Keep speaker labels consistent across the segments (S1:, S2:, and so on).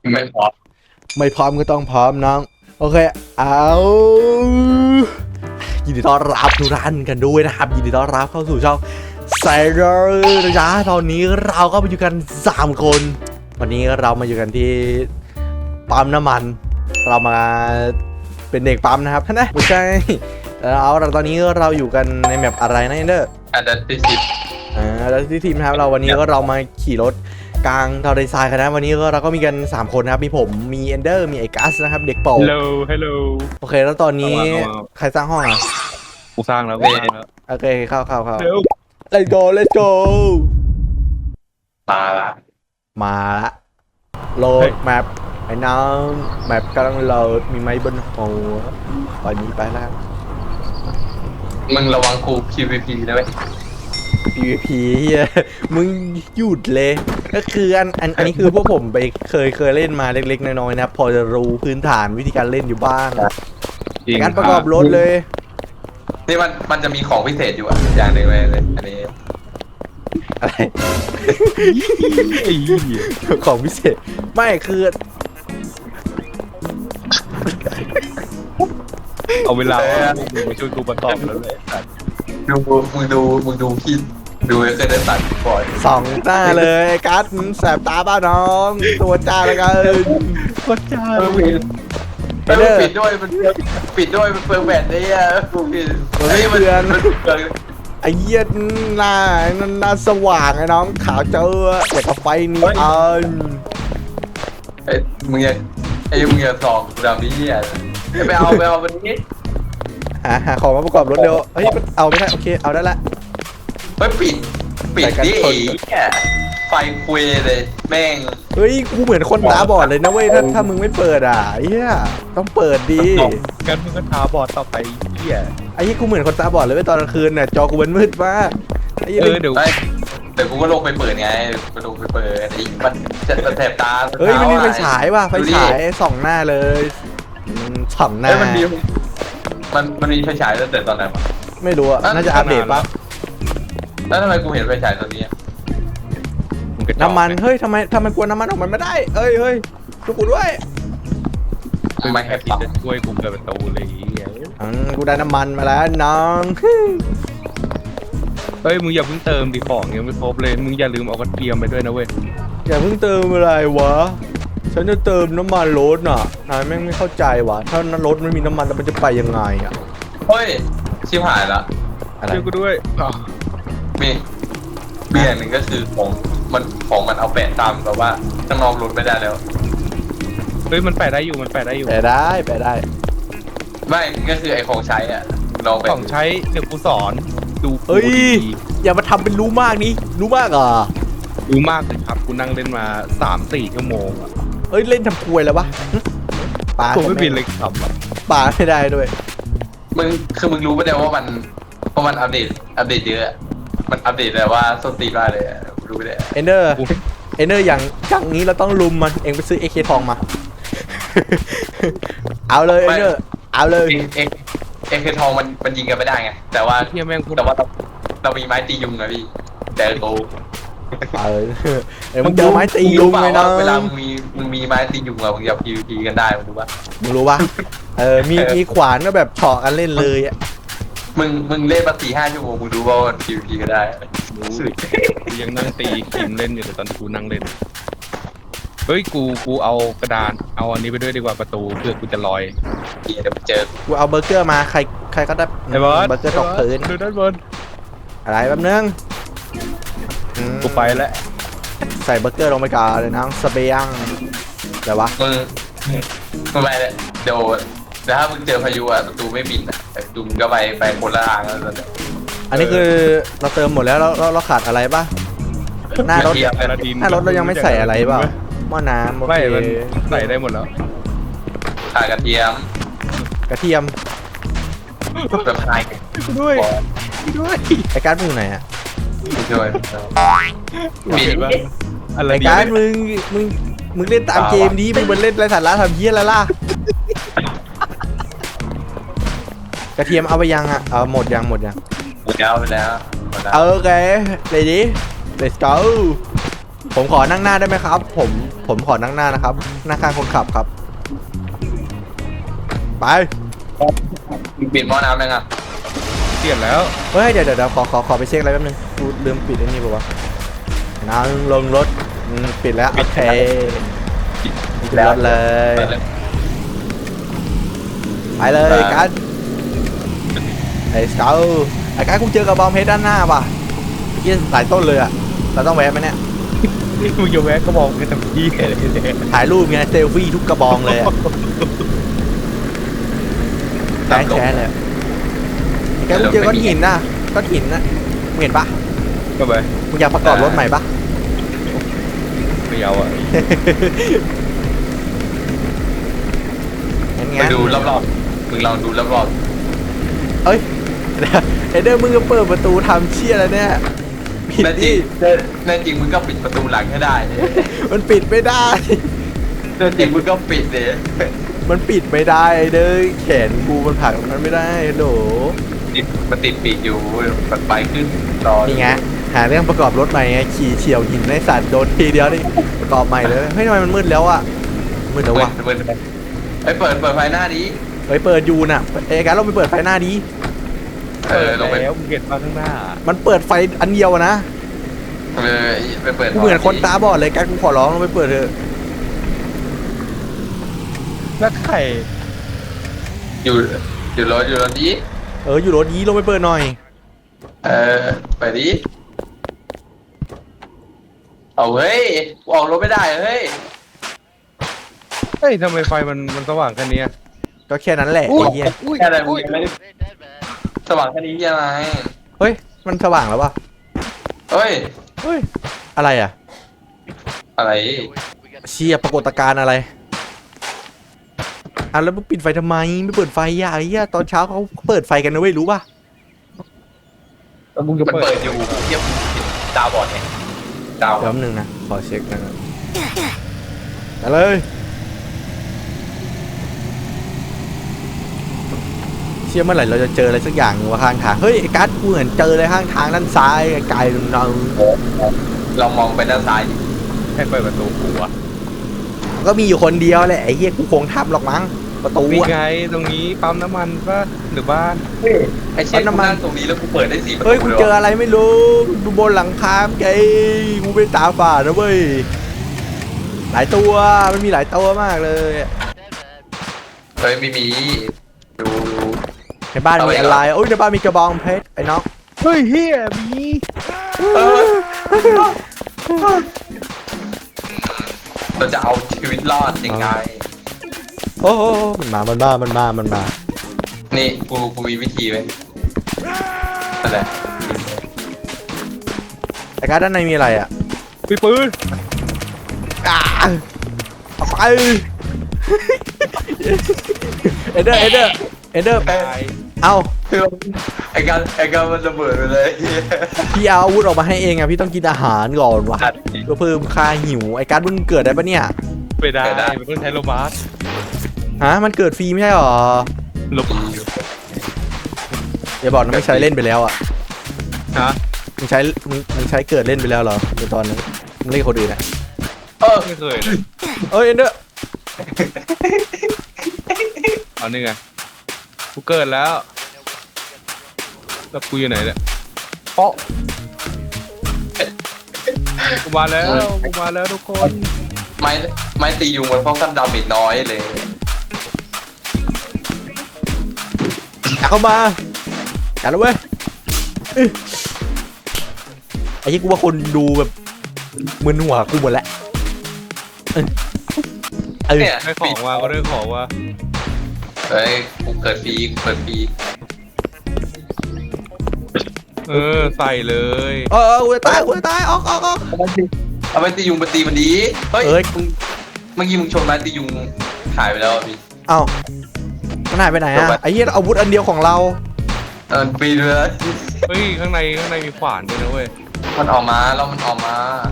S1: ไม่พอ
S2: ไม่พร้อมก็ต้องพร้อมน้องโอเคเอายินดีต้อนรับทุกท่านกันด้วยนะครับยินดีต้อนรับเข้าสู่ช่องไซเดอร์นะจ๊ะตอนนี้เราก็มาอยู่กัน3คนวันนี้เรามาอยู่กันที่ปั๊มน้ำมันเรามาเป็นเด็กปั๊มนะครับนะไม่ใช่เอาเราตอนนี้เราอยู่กันในแมปอะไรนะเนอร์
S1: อันดับที่10
S2: แล้วที่ทีมนะครับเราวันนี้ก็เรามาขี่รถกลางทะเลทรายกันนะวันนี้ก็เราก็มีกัน3คนนะครับมีผมมีเอนเดอร์มีไอ้กัสนะครับเด็กเป่า
S3: Hello
S2: โอเคแล้วตอนนี้ใครสร้างห้องอ่ะ
S3: กูสร้างแล้ว
S2: โอเคเข้า
S3: เร็ว
S2: let's go
S1: มาละ
S2: มาละโหลดแมปไอ้น้องแมปกำลังโหลดมีไม้บนหัวตอนนี้ไปแล้ว
S1: มึงระวังกู PVP นะเว้ย
S2: PVP เฮียมึงหยุดเลยก็คืออันนี้คือพวกผมไปเคยเล่นมาเล็กๆน้อยๆนะพอจะรู้พื้นฐานวิธีการเล่นอยู่บ้างการประกอบรถเลย
S1: นี่มันจะมีของพิเศษอยู่อ่ะอย่างหนึ่งเลยอันนี้
S2: อะไร
S3: ไอ้เหี้ย
S2: ของพิเศษไม่คือ
S3: เอาเวลามึงมาช่วยกูประกอบแล้วเลย
S1: มึงดูพี่ดูเคยได้ตัดบ่อย
S2: 2 หน้าเลยไอ้กัสแสบตาบ้าน้องตัวจ้าแล้วกัน
S3: ก็จ้า
S1: มันปิดด้วยมันปิดด้วยมันเปิดแบตได้อ่ะปิดมัน
S2: ไอ้เหี้ยหน้าสว่างไอ้น้องขาวเจอแต่กับไฟนีออน
S1: ไอ้มึงอย่าส่องดำนี้อ่ะไปเอาวันนี้
S2: หาของมาประกอบรถเร็วเฮ้ยเอาไม่ได้โอเคเอาได้ละ
S1: ไม่ปิดดิไฟคุยเลยแม่ง
S2: เฮ้ยกูเหมือนคนตาบอดเลยนะเว้ยถ้ามึงไม่เปิดอ่ะไอ้เหี้ยต้องเปิดดี
S3: กันมึงก็ท้าบอดต่อไปเหี้ย
S2: ไอ้เหี้ยกูเหมือนคนตาบอดเลยเว้ยตอนกลางคืนน่ะจอกูมันมืดมากไอ้เหี้ย
S3: เดี๋ยว
S1: แต่กูก็ลงไปเปิดไงกูลงไปเปิดไอ้มันจะแสบตา
S2: เฮ้ยมันมีไฟฉายว่ะไฟฉายส่องหน้าเลยส่องหน้า
S1: มันมีไฟฉายตั้งแต่ตอนไหนวะ
S2: ไม่รู้อ่ะน่าจะอัปเดตปะ
S1: แล้วทำไมกูเห็นไฟฉายตอนนี้
S2: น้ำมันเฮ้ยทำไมกลัวน้ำมันออกมาไม่ได้เฮ้ยช่วยกูด้วย
S1: ไม่แฮปปี้
S3: จะช่วยกูเปิดประตูเลยเหี้ย
S2: กูได้น้ำมันมาแล้วน้อง
S3: เฮ้ยมึงอย่าเพิ่งเติมดิของยังไม่ครบเลยมึงอย่าลืมเอากระเทียมไปด้วยนะเว้ย
S2: อย่าเพิ่งเติมอะไรวะฉันจะเติมน้ำมันรถน่ะนายแม่งไม่เข้าใจวะถ้ารถไม่มีน้ำมันแล้วมันจะไปยังไงอ่ะ
S1: เฮ้ยชิบหายละ
S2: อะไร
S3: ช่วยกูด้วย
S1: มีอย่างหนึ่งก็คือของมันเอาแปะตามแบบว่าข้างนอกรถไม่ได้แล้ว
S3: เฮ้ยมันแปะได้อยู่
S2: ไปได้
S1: ไม่ก็คือไอ้ของใช้อ่ะลองไป
S3: ของใช้เดี๋ยวกูสอนดู
S2: เฮ้ยอย่ามาทำเป็นรู้มากนี่รู้มากอ่ะ
S3: รู้มากเลยครับกูนั่งเล่นมา 3-4 ชั่วโมงอะ
S2: เอ้ยเล่นทำควยแล้ววะปา
S3: กูไม่บินเลยครับ
S2: ปาไม่ได้ด้วย
S1: มึงรู้ปะเนี่ยว่ามันอัปเดตเยอะมันอัปเดตเลยว่าส้นตีนมากเลยรู้ปะเนี่ย
S2: เอนเดอร์อย่างนี้เราต้องลุมมันเองไปซื้อ AK ทองมา เอาเลยเอนเดอร์เอาเลย
S1: เอ็กทองมันยิงกันไม่ได้ไงแต่ว่า
S3: เฮียแม่งพูด
S1: เรามีไม้ตียุงนะพี่แต่กู
S2: มึงเจอไม้ตีลุงเลยนะ
S1: เวลามึงมีไม้ตียุงอะมึงจะ PVP กันได้มึงรู้ปะ
S2: มึงรู้ปะมีขวานก็แบบเฉาะกันเล่นเลยอ่ะ
S1: มึงเล่นมา4-5 ชั่วโมงมึงรู้ว่ามัน PVP กันได้
S3: กูยังนั่งตีคิมเล่นอยู่แต่ตอนกูนั่งเล่นเฮ้ยกูเอากระดานเอาอันนี้ไปด้วยดีกว่าประตูเพื่อกูจะลอย
S1: เดี๋ยวไปเจอ
S2: กูเอาเบอร์เกอร์มาใครก็ได้
S3: ไอ้บอส
S2: เบอร์เกอร์ตกพื้น
S3: ดูด้านบน
S2: อะไรแป๊บนึง
S3: กูไปแล้ว
S2: ใส่เบอร์เกอร์ลงไปก่อนเลยน้องสเปียงอะไรวะ
S1: มึงไปเลยเดี๋ยวถ้ามึงเจอพายุอะประตูไม่บินอะดูมึงก็ไปคนละทางแล้วเนี่ย
S2: อันนี้คือเราเติมหมดแล้วเราขาดอะไรปะหน้ารถ หน้ารถเรายังไม่ใส่อะไรเปล่าหม้อน้ำโอ
S3: ไม่
S2: เค
S3: มันใส่ได้หมดแล้ว
S1: ขายกระเทียม
S2: กระเทียม
S1: แบบไฮ
S3: ด้วยด้วย
S2: ไอ้การ์ดมึงอยู่ไหนอะ
S1: ช่วย
S3: เห็นปะอะไร
S2: ไอ้
S3: ดี
S2: การ์ดมึงเล่นตามเกมนี้มึงมันเล่นไรสาระทำเหี้ยอะไรล่ะกระเทียมเอาไปยังอะเอาหมดยัง
S1: ไปแล้ว
S2: โอเค ready let's go ผมขอนั่งหน้าได้ไหมครับ ผมขอนั่งหน้านะครับหน้าข้างคนขับครับไป
S1: ปิดหม้อน้ำยังอ่ะ
S3: เปลี่ยนแล้ว
S2: เฮ้ยเดี๋ยวขอไปเช็คอะไรแป๊บนึงกูลืมปิดไอ้นี่ป่าวะนั่งลงรถปิดแล้วโอเคปิดรถเลยไปเลยกันไอ้สเกลไอ้การกูเจอกระบองเพชรด้านหน้าป่ะเมื่อกี้หลายต้นเลยอะเราต้องแวะไหมเนี่ย
S3: นี่มึงจะแวะก็มองกันทำที่อะไรเนี่ย
S2: ถ่ายรูปไงเซลฟี่ทุกกระบองเลยอะแชร์เลยไอ้การกูเจอก้อนหินน่ะก้อนหินน่ะมึงเห็นปะ
S3: ก็ไป
S2: มึงอยากประกอบรถใหม่ปะ
S3: ไม่เอาอ่ะ
S2: งั้น
S1: ไปดูรอบๆมึงลองดูรอบ
S2: เอ้ยเอเดอร์มึงก็เปิดประตูทำเชี่ยแล้วเนี่ย
S1: ๆ
S2: ผิด
S1: แน่จริ
S2: ดิ
S1: งแน่จริงมึงก็ปิดประตูหลังให้ได้เนี่ย
S2: มันปิดไม่ได้
S1: แน่จริงมึงก็ปิดเลย
S2: มันปิดไม่ได้ไอเดอร์แขนกูมันผลักมันไม่ได้โหล
S1: มันติดปีกอยู่มันไปขึ้นรอ
S2: นี่ไงหาเรื่องประกอบรถใหม่ไงขี่เฉียวหินในสัตว์โดนทีเดียวนี่ประกอบใหม่เลยเฮ้ยทำไมมันมืดแล้วอะมืดแล้ววะ
S1: เปิดเปิดไฟหน้านี้
S2: เฮ้ยเปิดอยู่น่ะเอ้การเราไปเปิดไฟหน้าดี
S1: ลงไป
S3: แล้วมึงเห็นมาข้างหน้า
S2: มันเปิดไฟอันเดียวอะนะ
S1: ไปเปิด
S2: กูเหมือนคนตาบอดเลยการกูขอร้องลงไปเปิดเถอะ
S3: แล้วไข่
S1: อยู่รถนี้
S2: อยู่รถยี้ลงไปเปิดหน่อย
S1: ไปดิเอาเฮ้ยออกรถไม่ได้เฮ้ย
S3: เฮ้ยทำไมไฟมันสว่างแค่นี้อะ
S2: ก็แค่นั้นแหละไอ้เหี้ย
S1: แค่อะไรมึงยังไม่ได้สว่างแค่นี้ยังไง
S2: เฮ้ยมันสว่างแล้ววะ
S1: เฮ้ย
S2: เฮ้ยอะไรอะ
S1: อะไร
S2: เชียปรากฏการณ์อะไรแล้วมึงปิดไฟทำไมไม่เปิดไฟอ่ะไอ้เหี้ยตอนเช้าเขาเปิดไฟกันนะเว้ยรู้ป่ะ
S3: แล้วมึงจะ
S1: มัน
S3: เปิ
S1: เปิ
S3: ด
S1: ดอยู่เทียบดาวบอดไงดาว
S2: เดี๋ยวแป๊บนึงนะขอเช็คนะครับไปเลยเชื่อเมื่อไหร่เราจะเจออะไรสักอย่างหนึ่งว่าข้างทางเฮ้ยไอ้การ์ดกูเหมือนเจออะไรข้างทางด้านซ้ายไกลๆเรา
S1: เรามองไปด้านซ้าย
S3: ให้เปิดประตูกูอะ
S2: ก็มีอยู่คนเดียวแหละไอ้เหี้ยกูคงทับหรอกมั้งประตู
S3: มี
S2: อะ
S3: ไงตรงนี้ปั๊มน้ำมันป่ะหรือบ้าน
S1: ไอ้เช่นน้ำมันตรงนี้แล้วกูเปิดได้4 ประตู
S2: เฮ้ยกูเจออะไรไม่รู้ดูบนหลังคาไงกูเป็นตาฝาดนะเว้ยหลายตัวมันมีหลายตัวมากเลย
S1: เฮ้ยไม่มีดู
S2: ในบ้านมีอะไรโอ้ยในบ้านมีกระบองเพชรไอ้น้อง
S3: เฮ้ยเฮียมี
S1: เราจะเอาชีวิตรอดยังไง
S2: โอ้โหมันมา
S1: นี่กูมีวิธีไหมนั่นแหละ
S2: แต่การด้านในมีอะไรอ่ะ
S3: มีปืน
S2: เอาไปเอเดอร์
S3: ตาย
S2: เอา
S1: คือไอ้การมันระเบิดไปเลย
S2: พี่เอาอาวุธออกมาให้เองอ่ะพี่ต้องกินอาหารก่อนวะเพื่อเพิ่มค่าหิวไอ้การมึงเกิดได้ปะเนี่ย
S3: ไม่ได้มันต้องใช้โลมาส
S2: ฮะมันเกิดฟรีไม่ใช่หรอ
S3: ลบ
S2: อย่าบอกนะไม่ใช้เล่นไปแล้วอ่ะ
S3: ฮะ
S2: มึงใช้เกิดเล่นไปแล้วเหรอในตอนนั้นมึงเล่นกับคนอื่นอ่ะ
S3: ไม่เคยเลย
S2: เอ้ยเอเดอร์
S3: เอานี่ไงกูเกิดแล้วแล้วกูอยู่ไหนเนี่ยเพาะกูมาแล้วทุกคน
S1: ไม้ตียุงมันป้องกันดาเมจน้อยเลย
S2: เข้ามาจัดแล้วเว้ยไอ้ที่กูว่าคนดูแบบมึนหัวกูหมดแล้ว
S1: เนี่ย
S3: ได้ของมาก็ได้ของว่า
S1: เฮ้ยกูเกิดฟรีกูเปิดฟรี
S3: ใส่เลย
S2: กูจะตายออก
S1: เอาไม้ตียุงมาตีมันดีเฮ้ยเมื่อกี้มึงชนไม้ตียุงหายไปแล้วพี่
S2: เอ้ามันหายไปไหนอะไอ้เหี้ยอาวุธอันเดียวของเรา
S1: ปีนเลย
S3: เฮ้ยข้างในมีขวานด้วยนะเว้ย
S1: มันออกมาแล้วมันออกมา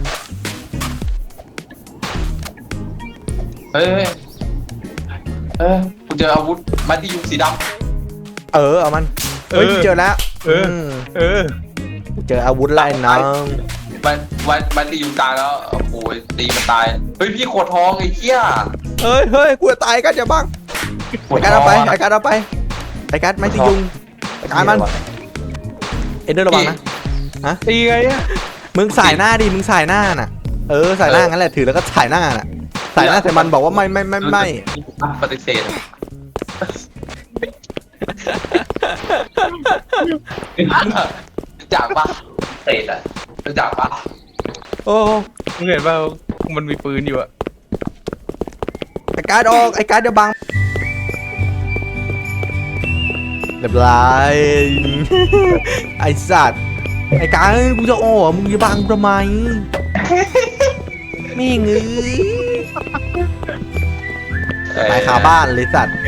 S1: เฮ้ยกูเจออาวุธไม้ตียุงสีดำ
S2: เอามันเฮ้ยกูเจอแล้ว
S3: เออ
S2: กูเจออาวุธไล่น้อง
S1: ไม้ตียุงตายแล้วโอ้ยตีมันตายเฮ้ยพี่โคตรทองไอ้เหี้ย
S2: เฮ้ยกูจะตายกันจะบ้างไอ้การเอาไปไอ้การเอาไปไอ้การไม่ตียุงไอ้การมันเอ็นเดอร์ระวังนะ
S3: ตีไงอะ
S2: มึงสายหน้าดิมึงสายหน้าน่ะสายหน้างั้นแหละถือแล้วก็สายหน้าน่ะสายหน้าใส่มันบอกว่าไม่
S1: ปฏิเสธจากปะเตะอะจากปะ
S2: โอ้
S3: มึงเห็นป่ามันมีปืนอยู่อะ
S2: ไอ้การออกไอ้การเดี๋ยวบังเรียบร้อยไอ้สัตว์ไอ้การกูจะออกมึงจะบังทำไมไม่เงื้อตายคาบ้านเลยสัตว์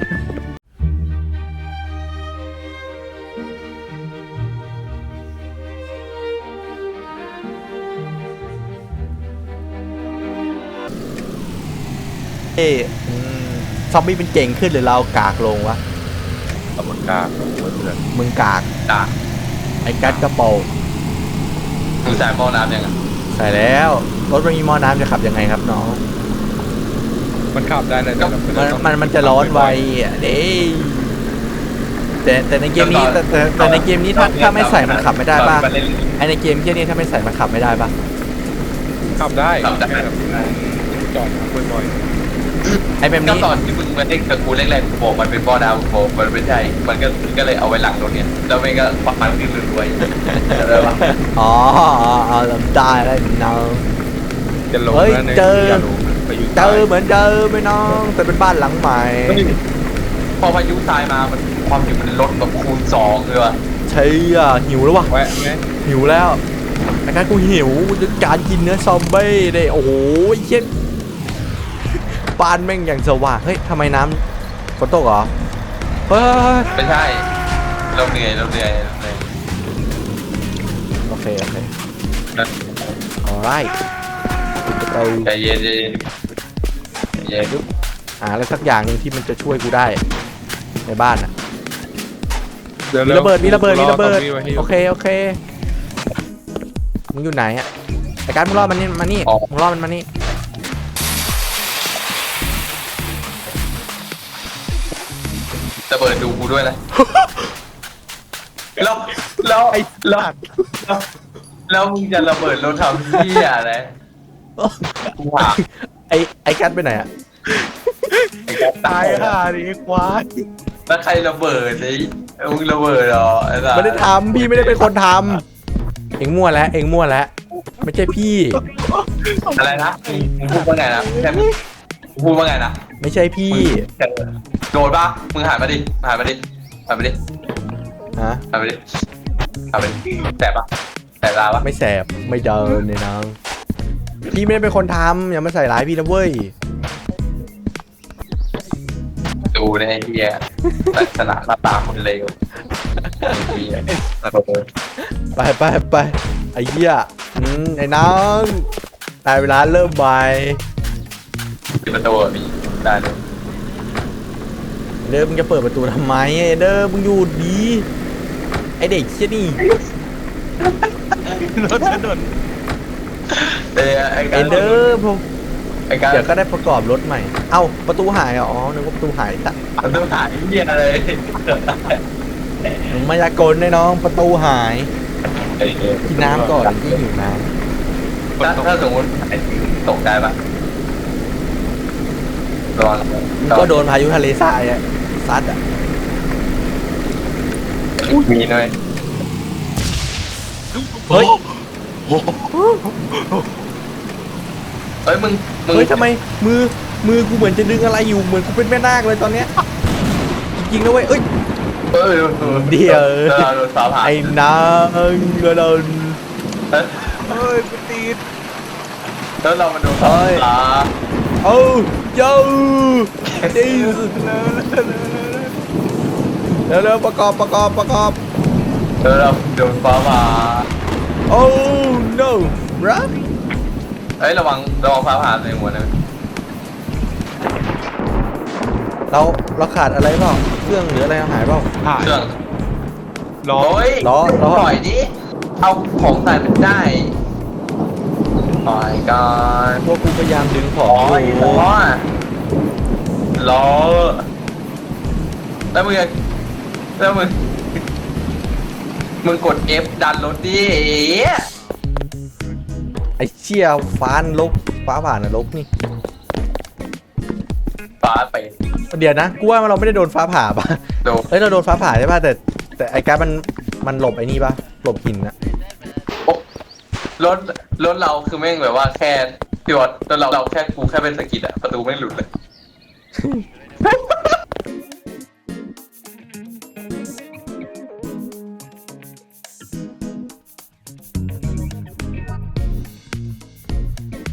S2: ซอมบี้เป็นเก่งขึ้นหรือเรากากลงวะ
S3: ตำรวจกล้าเพื่อน
S2: มึงกาก
S1: จาก
S2: ไอ้กัดกระโปรง
S1: มึงใส่หม้อน้ำยังไง
S2: ใส่แล้วรถมันมีหม้อน้ำจะขับยังไงครับน้อง
S3: มันขับได้เลย
S2: มันจะร้อนไวอ่ะเด้แต่ในเกมนี้แต่ในเกมนี้ถ้าไม่ใส่มันขับไม่ได้ป่ะไอในเกมที่นี่ถ้าไม่ใส่มันขับไม่ได้ป่ะ
S3: ขับได้จอดบ่อย
S2: ไอแบบ
S1: ก็
S2: นี้
S1: ตอนที่มึงมาเล่นกับกูแรกๆกูบอกมันเป็นหม้อน้ำกูบอกมันไม่ใช่มันก็เลยเอาไว้หลังรถเนี่ยแล้วมันก็ปักมันขึ้นรวยอะไรวะ
S2: อ๋อจำได้แล้วน้อง
S3: ๆจะลง
S2: เฮ้ย
S3: แล้วเนี่ย
S2: เจอ
S3: อย่าลงไปอยู่
S2: เจอเหมือนเดิมไหมน้องแต่เป็นบ้านหลังใหม่
S1: พอพายุทรายมามันความหิวมันลดแบบคูณ2เลยว่ะ
S2: ใช่อ่ะหิวแล้ววะ
S3: แวะไหม
S2: หิวแล้วไอ้การกูหิวจะการกินเนื้อซอมบี้เลยโอ้โหเย็นบ้านแม่งอย่างสว่างเฮ้ยทำไมน้ำฝนตกเหรอเฮ้ย
S1: ไม่ใช่เราเหนื่อย
S2: โอเคalright เรา
S1: ใจเย็น
S2: หาอะไรสักอย่างหนึ่งที่มันจะช่วยกูได้ในบ้านอ่ะ
S3: เดี๋ยว
S2: มีระเบิดโอเคมึงอยู่ไหนอ่ะไอ้การมึงรอมันนี่มานี่มึงรอมันมานี่
S1: ระเบิดดูกูด้วยนะแล้วมึงจะระเบิดรถทำที่อะไรกูหา
S2: ไอ้การไปไหนอ่ะ
S3: ตายห่าดิควาย
S1: แล้วใครระเบิดไอ้มึงระเบิดเหรอไอ้สัส
S2: ไม่ได้ทำพี่ไม่ได้เป็นคนทำเอ็งมั่วแล้วไม่ใช่พี่
S1: อะไรนะมึงพูดว่าไงนะแค่มึงพูดว่าไงนะ
S2: ไม่ใช่พี่
S1: โดนปะมึงหันมาดิฮะ
S2: ฮะ
S1: หันมาดิแสบปะแสบตาปะ
S2: ไม่แสบไม่เดินเนี่ยน้องพี่ไม่ได้เป็นคนทำอย่ามาใส่ร้ายพี่นะเว้ย
S1: ดูในไอ้เหี้ยลักษณะหน้าตาคนเลวระเบิด
S2: ไปไอ้เหี้ยไอ้น้องได้เวลาเริ่มใหม่
S1: ปิดประตูมีได้เลย
S2: เด้อมึงจะเปิดประตูทำไมเด้อมึงอยู่ดีไอเด็กเชี่ยนี่
S3: รถถนน
S1: ไอ้
S2: เอ็นเดอร์ผม
S1: ไอ้การ
S2: เดี๋ยวก็ได้ประกอบรถใหม่เอ้าประตูหายเหรออ๋อนึกว่าประตูหายแต่
S1: ต้องถ่ายเหี้ยอะไร
S2: มายากลแน่น้องประตูหายกินน้ำก่อนที่หิวน้
S1: ถ้าสมมติตกได้ปะระวัง
S2: ำก็โดนพายุทะเลทรายอะซัดอะ
S1: มีหน่อย
S2: เฮ้ย
S1: เฮ้ยมึง
S2: เฮ้ยทำไมมือกูเหมือนจะดึงอะไรอยู่เหมือนกูเป็นแม่นาคเลยตอนเนี้ยจริงๆนะเว้ยเอ้ย เดี๋ยว
S1: โดนฟ้าผ่า
S2: ไอ้นางกระโดน
S3: เฮ้ยกูตีด
S1: แล้วเรามาโดนฟ้า
S2: โอ้โย่ดีสุดเร็วประกอบ
S1: แล้วเราโดนฟ้าผ่า
S2: โอ้ no run
S1: เฮ้ยระวังฟ้าผ่าในหัวนะ
S2: เราขาดอะไรเปล่าเครื่องหรืออะไรหายเปล่า
S3: ผ่าน
S1: เครื่อง
S3: ล้อ
S1: โอ้ย
S2: ล้อ
S1: ปล่อยดิเอาของใส่มันได้ปล่อยก่อน
S2: พวกกูพยายามดึงขอ
S1: อ๋อง
S2: อยู่
S1: ล้อแล้วมึงกด F ดันรถดิ
S2: ไอ้เชี่ยฟ้านลกฟ้าผ่านนรกนี่
S1: ฟ้าไป
S2: เดี๋ยวนะกูว่าเราไม่ได้โดนฟ้าผ่าป่ะ
S1: โดน
S2: เฮ้ยเราโดนฟ้าผ่าใช่ป่ะแต่ไอ้การดมันหลบไอ้นี่ป่ะหลบหินนะ
S1: โอ๊ะรถเราคือแม่งแบบว่าแค่พี่วอดรถเราแค่กูแค่เป็นสะกิดอะประตูไม่งหลุดเลย